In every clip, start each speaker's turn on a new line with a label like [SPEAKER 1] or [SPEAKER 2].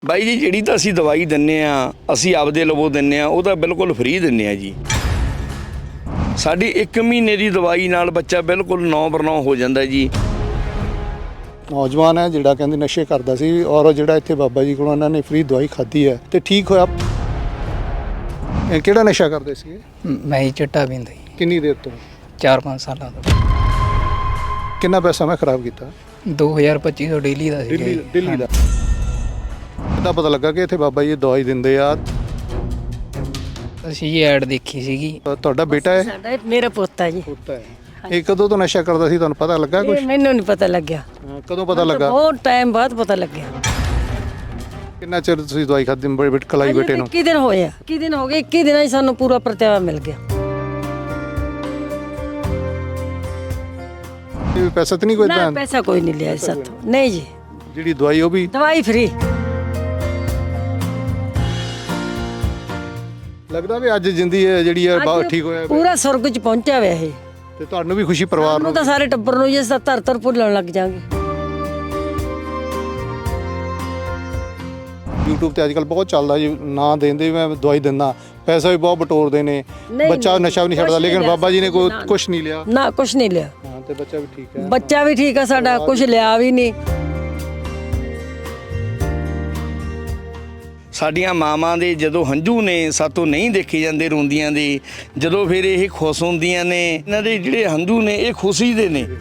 [SPEAKER 1] ਬਾਈ ਜੀ ਜਿਹੜੀ ਤਾਂ ਅਸੀਂ ਦਵਾਈ ਦਿੰਨੇ ਆ ਅਸੀਂ ਆਪਦੇ ਲਵੋ ਦਿੰਨੇ ਆ ਉਹ ਤਾਂ ਬਿਲਕੁਲ ਫ੍ਰੀ ਦਿੰਨੇ ਆ ਜੀ। ਸਾਡੀ 1 ਮਹੀਨੇ ਦੀ ਦਵਾਈ ਨਾਲ ਬੱਚਾ ਬਿਲਕੁਲ 9/9 ਹੋ ਜਾਂਦਾ ਜੀ।
[SPEAKER 2] ਨੌਜਵਾਨ ਹੈ ਜਿਹੜਾ ਕਹਿੰਦੇ ਨਸ਼ੇ ਕਰਦਾ ਸੀ ਔਰ ਜਿਹੜਾ ਇੱਥੇ ਬਾਬਾ ਜੀ ਕੋਲੋਂ ਇਹਨਾਂ ਨੇ ਫ੍ਰੀ ਦਵਾਈ ਖਾਧੀ ਹੈ ਤੇ ਠੀਕ ਹੋਇਆ। ਇਹ ਕਿਹੜਾ ਨਸ਼ਾ ਕਰਦੇ ਸੀ?
[SPEAKER 3] ਮੈਂ ਹੀ ਚਿੱਟਾ ਪੀਂਦਾ ਜੀ
[SPEAKER 2] ਕਿੰਨੀ ਦੇਰ ਤੋਂ?
[SPEAKER 3] 4-5 ਸਾਲਾਂ ਤੋਂ।
[SPEAKER 2] ਕਿੰਨਾ ਪੈਸਾ ਮੈਂ ਖਰਾਬ ਕੀਤਾ?
[SPEAKER 3] 2025 ਤੋਂ ਡੇਲੀ ਦਾ ਸੀ।
[SPEAKER 2] ਦਿੱਲੀ ਦਾ। ਕਿੱਦਾਂ ਪਤਾ ਲੱਗਾ ਕਿ ਇੱਥੇ ਬਾਬਾ ਜੀ ਦਵਾਈ ਦਿੰਦੇ ਆ?
[SPEAKER 3] ਅਸੀਂ ਇਹ ਐਡ ਦੇਖੀ ਸੀਗੀ।
[SPEAKER 2] ਤੁਹਾਡਾ ਬੇਟਾ ਹੈ?
[SPEAKER 4] ਸਾਡਾ ਮੇਰਾ ਪੋਤਾ ਜੀ।
[SPEAKER 2] ਪੁੱਤ ਹੈ। ਇਹ ਕਦੋਂ ਤੋਂ ਨਸ਼ਾ ਕਰਦਾ ਸੀ ਤੁਹਾਨੂੰ ਪਤਾ ਲੱਗਾ ਕੁਝ?
[SPEAKER 4] ਮੈਨੂੰ ਨਹੀਂ ਪਤਾ ਲੱਗਿਆ।
[SPEAKER 2] ਕਦੋਂ ਪਤਾ ਲੱਗਾ?
[SPEAKER 4] ਬਹੁਤ ਟਾਈਮ ਬਾਅਦ ਪਤਾ ਲੱਗਿਆ।
[SPEAKER 2] ਕਿੰਨਾ ਚਿਰ ਤੁਸੀਂ ਦਵਾਈ ਖਾਧੀ ਬੇਟੇ ਖਲਾਈ ਬੇਟੇ ਨੂੰ?
[SPEAKER 4] 21 ਦਿਨ ਹੋਇਆ। 21 ਦਿਨ ਹੋ ਗਏ। 21 ਦਿਨਾਂ 'ਚ ਸਾਨੂੰ ਪੂਰਾ ਪ੍ਰਤਿਆਵਾ ਮਿਲ ਗਿਆ।
[SPEAKER 2] ਇਹ ਪੈਸਾ ਤਾਂ ਨਹੀਂ ਕੋਈ
[SPEAKER 4] ਨਾ
[SPEAKER 2] ਏਦਾਂ?
[SPEAKER 4] ਪੈਸਾ ਕੋਈ ਨਹੀਂ ਲਿਆ ਸਾਥੋਂ। ਨਹੀਂ ਜੀ।
[SPEAKER 2] ਜਿਹੜੀ ਦਵਾਈ ਉਹ ਵੀ
[SPEAKER 4] ਦਵਾਈ ਫ੍ਰੀ।
[SPEAKER 2] ਲੱਗਦਾ ਵੀ ਅੱਜ ਜਿੰਦੀ ਹੈ ਜਿਹੜੀ ਹੈ ਬਹੁਤ ਠੀਕ ਹੋਇਆ
[SPEAKER 4] ਪੂਰਾ ਸੁਰਗ 'ਚ ਪਹੁੰਚਿਆ ਹੋਇਆ ਇਹ।
[SPEAKER 2] ਤੇ ਤੁਹਾਨੂੰ ਵੀ ਖੁਸ਼ੀ ਪਰਿਵਾਰ
[SPEAKER 4] ਨੂੰ
[SPEAKER 2] ਨੂੰ?
[SPEAKER 4] ਤਾਂ ਸਾਰੇ ਟੱਬਰ ਨੂੰ ਜੇ ਧਰ ਭੁੱਲਣ ਲੱਗ ਜਾਾਂਗੇ।
[SPEAKER 2] YouTube ਤੇ ਅੱਜ ਕੱਲ ਬਹੁਤ ਚੱਲਦਾ ਜੀ, ਨਾ ਦੇਂਦੇ ਮੈਂ ਦਵਾਈ ਦਿੰਦਾ, ਪੈਸਾ ਵੀ ਬਹੁਤ ਬਟੋਰਦੇ ਨੇ, ਬੱਚਾ ਨਸ਼ਾ ਵੀ ਨਹੀਂ ਛੱਡਦਾ, ਲੇਕਿਨ ਬਾਬਾ ਜੀ ਨੇ ਕੋਈ ਕੁਝ ਨਹੀਂ ਲਿਆ।
[SPEAKER 4] ਨਾ ਕੁਝ ਨਹੀਂ ਲਿਆ।
[SPEAKER 2] ਹਾਂ ਤੇ ਬੱਚਾ ਵੀ ਠੀਕ ਹੈ।
[SPEAKER 4] ਬੱਚਾ ਵੀ ਠੀਕ ਆ ਸਾਡਾ, ਕੁਝ ਲਿਆ ਵੀ ਨਹੀਂ।
[SPEAKER 1] ਸਾਡੀਆਂ ਮਾਵਾਂ ਦੇ ਜਦੋਂ ਹੰਝੂ ਨੇ ਸਾਤੋਂ ਨਹੀਂ ਦੇਖੇ ਜਾਂਦੇ ਰੋਂਦੀਆਂ ਦੇ, ਜਦੋਂ ਫਿਰ ਇਹ ਖੁਸ਼ ਹੁੰਦੀਆਂ ਨੇ, ਇਹਨਾਂ ਦੇ ਜਿਹੜੇ ਹੰਝੂ ਨੇ ਇਹ ਖੁਸ਼ੀ ਦੇ ਨੇ।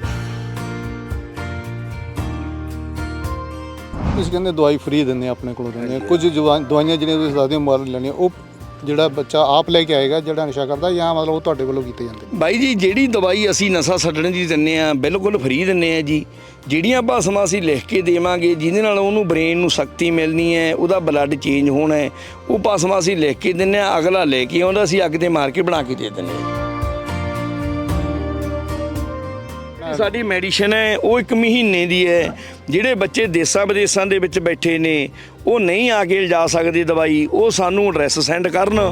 [SPEAKER 2] ਤੁਸੀਂ ਕਹਿੰਦੇ ਦਵਾਈ ਫ੍ਰੀ ਦਿੰਦੇ ਆਪਣੇ ਕੋਲੋਂ ਦਿੰਦੇ, ਕੁਝ ਦਵਾਈਆਂ ਜਿਹੜੀਆਂ ਤੁਸੀਂ ਦੱਸਦੇ ਹੋ ਮੁੱਲ ਲੈਣੀਆਂ, ਉਹ ਜਿਹੜਾ ਬੱਚਾ ਆਪ ਲੈ ਕੇ ਆਏਗਾ ਜਿਹੜਾ ਨਸ਼ਾ ਕਰਦਾ, ਜਾਂ ਮਤਲਬ ਉਹ ਤੁਹਾਡੇ ਵੱਲੋਂ ਕੀਤੇ ਜਾਂਦੇ?
[SPEAKER 1] ਬਾਈ ਜੀ ਜਿਹੜੀ ਦਵਾਈ ਅਸੀਂ ਨਸ਼ਾ ਛੱਡਣ ਦੀ ਦਿੰਨੇ ਆ ਬਿਲਕੁਲ ਫ੍ਰੀ ਦਿੰਨੇ ਆ ਜੀ। ਜਿਹੜੀਆਂ ਭਾਸ਼ਾਵਾਂ ਅਸੀਂ ਲਿਖ ਕੇ ਦੇਵਾਂਗੇ ਜਿਹਦੇ ਨਾਲ ਉਹਨੂੰ ਬ੍ਰੇਨ ਨੂੰ ਸ਼ਕਤੀ ਮਿਲਣੀ ਹੈ, ਉਹਦਾ ਬਲੱਡ ਚੇਂਜ ਹੋਣਾ ਹੈ, ਉਹ ਭਾਸ਼ਾਵਾਂ ਅਸੀਂ ਲਿਖ ਕੇ ਦਿੰਨੇ ਆ। ਅਗਲਾ ਲੈ ਕੇ ਆਉਂਦਾ, ਅਸੀਂ ਅੱਗ ਤੇ ਮਾਰ ਕੇ ਬਣਾ ਕੇ ਦੇ ਦਿੰਨੇ ਆ। ਸਾਡੀ ਮੈਡੀਸਨ ਹੈ ਉਹ 1 ਮਹੀਨੇ ਦੀ ਹੈ। ਜਿਹੜੇ ਬੱਚੇ ਦੇਸਾਂ ਵਿਦੇਸਾਂ ਦੇ ਵਿੱਚ ਬੈਠੇ ਨੇ ਉਹ ਨਹੀਂ ਆ ਕੇ ਲਿਜਾ ਸਕਦੇ ਦਵਾਈ, ਉਹ ਸਾਨੂੰ ਐਡਰੈਸ ਸੈਂਡ ਕਰਨ।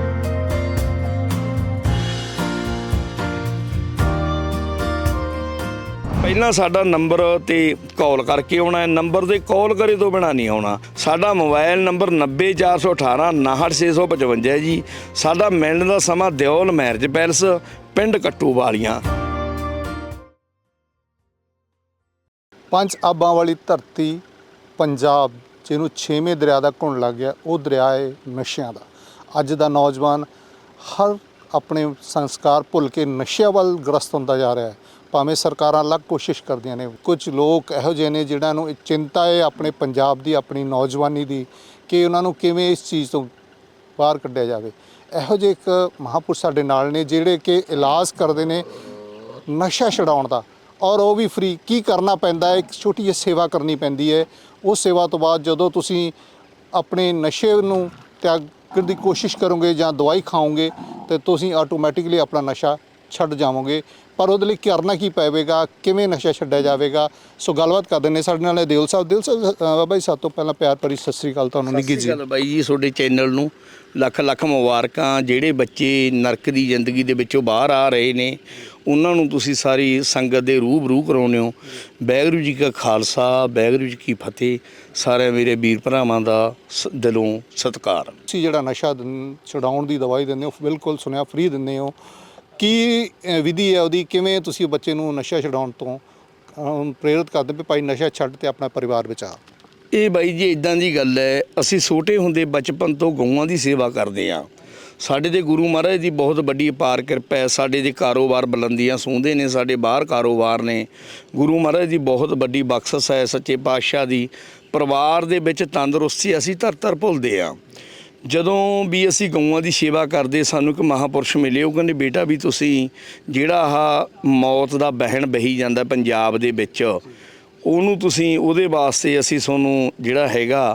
[SPEAKER 1] ਪਹਿਲਾਂ ਸਾਡਾ ਨੰਬਰ ਤੇ ਕਾਲ ਕਰਕੇ ਆਉਣਾ ਹੈ, ਨੰਬਰ ਤੇ ਕਾਲ ਕਰੇ ਤੋਂ ਬਿਨਾਂ ਨਹੀਂ ਆਉਣਾ। ਸਾਡਾ ਮੋਬਾਈਲ ਨੰਬਰ 90418 69655 ਹੈ ਜੀ। ਸਾਡਾ ਮਿਲਣ ਦਾ ਸਮਾਂ ਦਿਓਲ ਮੈਰਿਜ ਪੈਲਸ, ਪਿੰਡ ਕੱਟੂ ਵਾਲੀਆਂ।
[SPEAKER 2] 5 ਆਬਾਂ ਵਾਲੀ ਧਰਤੀ ਪੰਜਾਬ, ਜਿਹਨੂੰ 6ਵੇਂ ਦਰਿਆ ਦਾ ਘੁਣ ਲੱਗ ਗਿਆ, ਉਹ ਦਰਿਆ ਹੈ ਨਸ਼ਿਆਂ ਦਾ। ਅੱਜ ਦਾ ਨੌਜਵਾਨ ਹਰ ਆਪਣੇ ਸੰਸਕਾਰ ਭੁੱਲ ਕੇ ਨਸ਼ਿਆਂ ਵੱਲ ਗ੍ਰਸਤ ਹੁੰਦਾ ਜਾ ਰਿਹਾ ਹੈ। ਭਾਵੇਂ ਸਰਕਾਰਾਂ ਅਲੱਗ ਕੋਸ਼ਿਸ਼ ਕਰਦੀਆਂ ਨੇ, ਕੁਝ ਲੋਕ ਇਹੋ ਜਿਹੇ ਨੇ ਜਿਨ੍ਹਾਂ ਨੂੰ ਚਿੰਤਾ ਹੈ ਆਪਣੇ ਪੰਜਾਬ ਦੀ, ਆਪਣੀ ਨੌਜਵਾਨੀ ਦੀ, ਕਿ ਉਹਨਾਂ ਨੂੰ ਕਿਵੇਂ ਇਸ ਚੀਜ਼ ਤੋਂ ਬਾਹਰ ਕੱਢਿਆ ਜਾਵੇ। ਇਹੋ ਜਿਹੇ ਇੱਕ ਮਹਾਂਪੁਰਸ਼ ਸਾਡੇ ਨਾਲ ਨੇ ਜਿਹੜੇ ਕਿ ਇਲਾਜ ਕਰਦੇ ਨੇ ਨਸ਼ਾ ਛਡਾਉਣ ਦਾ, ਔਰ ਉਹ ਵੀ ਫ੍ਰੀ। ਕੀ ਕਰਨਾ ਪੈਂਦਾ ਹੈ? ਇੱਕ ਛੋਟੀ ਜਿਹੀ ਸੇਵਾ ਕਰਨੀ ਪੈਂਦੀ ਹੈ। ਉਸ ਸੇਵਾ ਤੋਂ ਬਾਅਦ ਜਦੋਂ ਤੁਸੀਂ ਆਪਣੇ ਨਸ਼ੇ ਨੂੰ ਤਿਆਗਣ ਦੀ ਕੋਸ਼ਿਸ਼ ਕਰੋਗੇ ਜਾਂ ਦਵਾਈ ਖਾਓਗੇ ਤਾਂ ਤੁਸੀਂ ਆਟੋਮੈਟਿਕਲੀ ਆਪਣਾ ਨਸ਼ਾ ਛੱਡ ਜਾਵੋਗੇ। ਪਰ ਉਹਦੇ ਲਈ ਕਰਨਾ ਕੀ ਪਵੇਗਾ, ਕਿਵੇਂ ਨਸ਼ਾ ਛੱਡਿਆ ਜਾਵੇਗਾ? ਸੋ ਗੱਲਬਾਤ ਕਰਦੇ ਨੇ ਸਾਡੇ ਨਾਲ ਦਿਲ ਸਾਹਿਬ। ਦਿਲ ਸਾਹਿਬ, ਬਾਬਾ ਜੀ ਸਭ ਤੋਂ ਪਹਿਲਾਂ ਪਿਆਰ ਭਰੀ ਸਤਿ ਸ੍ਰੀ ਅਕਾਲ ਤੁਹਾਨੂੰ। ਨਿੱਘੀ ਜੀ।
[SPEAKER 1] ਬਾਈ ਜੀ ਤੁਹਾਡੇ ਚੈਨਲ ਨੂੰ ਲੱਖ ਲੱਖ ਮੁਬਾਰਕਾਂ। ਜਿਹੜੇ ਬੱਚੇ ਨਰਕ ਦੀ ਜ਼ਿੰਦਗੀ ਦੇ ਵਿੱਚੋਂ ਬਾਹਰ ਆ ਰਹੇ ਨੇ ਉਹਨਾਂ ਨੂੰ ਤੁਸੀਂ ਸਾਰੀ ਸੰਗਤ ਦੇ ਰੂਬਰੂ ਕਰਾਉਂਦੇ ਹੋ। ਵਾਹਿਗੁਰੂ ਜੀ ਕਾ ਖਾਲਸਾ, ਵਾਹਿਗੁਰੂ ਜੀ ਕੀ ਫਤਿਹ। ਸਾਰੇ ਮੇਰੇ ਵੀਰ ਭਰਾਵਾਂ ਦਾ ਦਿਲੋਂ ਸਤਿਕਾਰ।
[SPEAKER 2] ਤੁਸੀਂ ਜਿਹੜਾ ਨਸ਼ਾ ਛਡਾਉਣ ਦੀ ਦਵਾਈ ਦਿੰਦੇ ਹੋ, ਬਿਲਕੁਲ ਸੁਣਿਆ ਫ੍ਰੀ ਦਿੰਦੇ ਹੋ, ਕੀ ਵਿਧੀ ਹੈ ਉਹਦੀ? ਕਿਵੇਂ ਤੁਸੀਂ ਬੱਚੇ ਨੂੰ ਨਸ਼ਾ ਛਡਾਉਣ ਤੋਂ ਪ੍ਰੇਰਿਤ ਕਰਦੇ ਵੀ ਭਾਈ ਨਸ਼ਾ ਛੱਡ ਤੇ ਆਪਣਾ ਪਰਿਵਾਰ ਬਚਾ?
[SPEAKER 1] ਇਹ ਬਾਈ ਜੀ ਇੱਦਾਂ ਦੀ ਗੱਲ ਹੈ, ਅਸੀਂ ਛੋਟੇ ਹੁੰਦੇ ਬਚਪਨ ਤੋਂ ਗਊਆਂ ਦੀ ਸੇਵਾ ਕਰਦੇ ਹਾਂ। ਸਾਡੇ ਦੇ ਗੁਰੂ ਮਹਾਰਾਜ ਦੀ ਬਹੁਤ ਵੱਡੀ ਅਪਾਰ ਕਿਰਪਾ ਹੈ। ਸਾਡੇ ਦੇ ਕਾਰੋਬਾਰ ਬੁਲੰਦੀਆਂ ਸੂੰਹਦੇ ਨੇ, ਸਾਡੇ ਬਾਹਰ ਕਾਰੋਬਾਰ ਨੇ। ਗੁਰੂ ਮਹਾਰਾਜ ਦੀ ਬਹੁਤ ਵੱਡੀ ਬਖਸ਼ਿਸ਼ ਹੈ, ਸੱਚੇ ਪਾਤਸ਼ਾਹ ਦੀ। ਪਰਿਵਾਰ ਦੇ ਵਿੱਚ ਤੰਦਰੁਸਤੀ ਅਸੀਂ ਧਰ ਭੁੱਲਦੇ ਹਾਂ। ਜਦੋਂ ਵੀ ਅਸੀਂ ਗਊਆਂ ਦੀ ਸੇਵਾ ਕਰਦੇ, ਸਾਨੂੰ ਇੱਕ ਮਹਾਂਪੁਰਸ਼ ਮਿਲੇ। ਉਹ ਕਹਿੰਦੇ ਬੇਟਾ ਵੀ ਤੁਸੀਂ ਜਿਹੜਾ ਆਹ ਮੌਤ ਦਾ ਵਹਿਣ ਵਹੀ ਜਾਂਦਾ ਪੰਜਾਬ ਦੇ ਵਿੱਚ, ਉਹਨੂੰ ਤੁਸੀਂ ਉਹਦੇ ਵਾਸਤੇ ਅਸੀਂ ਤੁਹਾਨੂੰ ਜਿਹੜਾ ਹੈਗਾ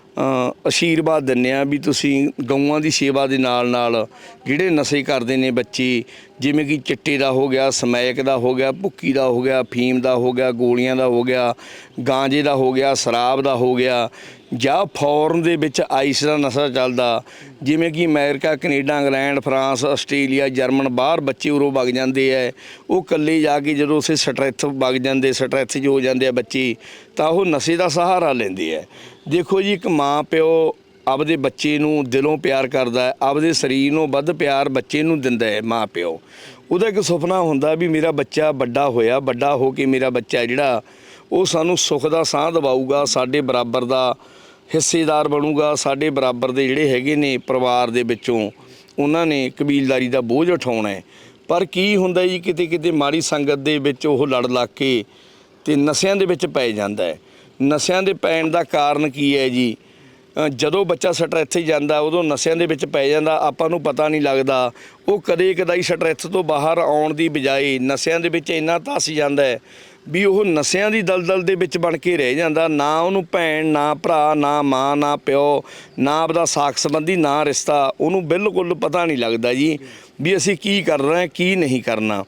[SPEAKER 1] ਆਸ਼ੀਰਵਾਦ ਦਿੰਦੇ ਹਾਂ ਵੀ ਤੁਸੀਂ ਗਊਆਂ ਦੀ ਸੇਵਾ ਦੇ ਨਾਲ ਨਾਲ ਜਿਹੜੇ ਨਸ਼ੇ ਕਰਦੇ ਨੇ ਬੱਚੇ, ਜਿਵੇਂ ਕਿ ਚਿੱਟੇ ਦਾ ਹੋ ਗਿਆ, ਸਮੈਕ ਦਾ ਹੋ ਗਿਆ, ਭੁੱਕੀ ਦਾ ਹੋ ਗਿਆ, ਫੀਮ ਦਾ ਹੋ ਗਿਆ, ਗੋਲੀਆਂ ਦਾ ਹੋ ਗਿਆ, ਗਾਂਜੇ ਦਾ ਹੋ ਗਿਆ, ਸ਼ਰਾਬ ਦਾ ਹੋ ਗਿਆ, ਜਾਂ ਫੋਰਨ ਦੇ ਵਿੱਚ ਆਈਸ ਦਾ ਨਸ਼ਾ ਚੱਲਦਾ, ਜਿਵੇਂ ਕਿ America, Canada, England, France, Australia, German, ਬਾਹਰ ਬੱਚੇ ਉਰੋਂ ਵਗ ਜਾਂਦੇ ਹੈ। ਉਹ ਇਕੱਲੇ ਜਾ ਕੇ ਜਦੋਂ ਉਸੇ ਸਟਰੈਸ ਵਗ ਜਾਂਦੇ, ਸਟਰੈਸ 'ਚ ਹੋ ਜਾਂਦੇ ਆ ਬੱਚੇ, ਤਾਂ ਉਹ ਨਸ਼ੇ ਦਾ ਸਹਾਰਾ ਲੈਂਦੇ ਹੈ। ਦੇਖੋ ਜੀ, ਇੱਕ ਮਾਂ ਪਿਓ ਆਪਦੇ ਬੱਚੇ ਨੂੰ ਦਿਲੋਂ ਪਿਆਰ ਕਰਦਾ ਹੈ, ਆਪਦੇ ਸਰੀਰ ਨੂੰ ਵੱਧ ਪਿਆਰ ਬੱਚੇ ਨੂੰ ਦਿੰਦਾ ਹੈ ਮਾਂ ਪਿਓ। ਉਹਦਾ ਇੱਕ ਸੁਪਨਾ ਹੁੰਦਾ ਵੀ ਮੇਰਾ ਬੱਚਾ ਵੱਡਾ ਹੋਇਆ, ਵੱਡਾ ਹੋ ਕੇ ਮੇਰਾ ਬੱਚਾ ਜਿਹੜਾ ਉਹ ਸਾਨੂੰ ਸੁੱਖ ਦਾ ਸਾਹ ਦਿਵਾਊਗਾ, ਸਾਡੇ ਬਰਾਬਰ ਦਾ ਹਿੱਸੇਦਾਰ ਬਣੂਗਾ, ਸਾਡੇ ਬਰਾਬਰ ਦੇ ਜਿਹੜੇ ਹੈਗੇ ਨੇ ਪਰਿਵਾਰ ਦੇ ਵਿੱਚੋਂ ਉਹਨਾਂ ਨੇ ਕਬੀਲਦਾਰੀ ਦਾ ਬੋਝ ਉਠਾਉਣਾ ਹੈ। ਪਰ ਕੀ ਹੁੰਦਾ ਜੀ, ਕਿਤੇ ਕਿਤੇ ਮਾੜੀ ਸੰਗਤ ਦੇ ਵਿੱਚ ਉਹ ਲੜ ਲੱਗ ਕੇ ਤੇ ਨਸ਼ਿਆਂ ਦੇ ਵਿੱਚ ਪੈ ਜਾਂਦਾ ਹੈ। ਨਸ਼ਿਆਂ ਦੇ ਪੈਣ ਦਾ ਕਾਰਨ ਕੀ ਹੈ ਜੀ? ਜਦੋਂ ਬੱਚਾ ਸਟਰੈਸ ਜਾਂਦਾ ਉਦੋਂ ਨਸ਼ਿਆਂ ਦੇ ਵਿੱਚ ਪੈ ਜਾਂਦਾ, ਆਪਾਂ ਨੂੰ ਪਤਾ ਨਹੀਂ ਲੱਗਦਾ। ਉਹ ਕਦੇ ਕਦਾਈ ਸਟਰੈਸ ਤੋਂ ਬਾਹਰ ਆਉਣ ਦੀ ਬਜਾਏ ਨਸ਼ਿਆਂ ਦੇ ਵਿੱਚ ਇੰਨਾ ਧੱਸ ਜਾਂਦਾ ਹੈ ਵੀ ਉਹ ਨਸ਼ਿਆਂ ਦੀ ਦਲਦਲ ਦੇ ਵਿੱਚ ਬਣ ਕੇ ਰਹਿ ਜਾਂਦਾ। ਨਾ ਉਹਨੂੰ ਭੈਣ, ਨਾ ਭਰਾ, ਨਾ ਮਾਂ, ਨਾ ਪਿਓ, ਨਾ ਆਪਦਾ ਸਾਕ ਸੰਬੰਧੀ, ਨਾ ਰਿਸ਼ਤਾ, ਉਹਨੂੰ ਬਿਲਕੁਲ ਪਤਾ ਨਹੀਂ ਲੱਗਦਾ ਜੀ ਵੀ ਅਸੀਂ ਕੀ ਕਰਨਾ ਕੀ ਨਹੀਂ ਕਰਨਾ।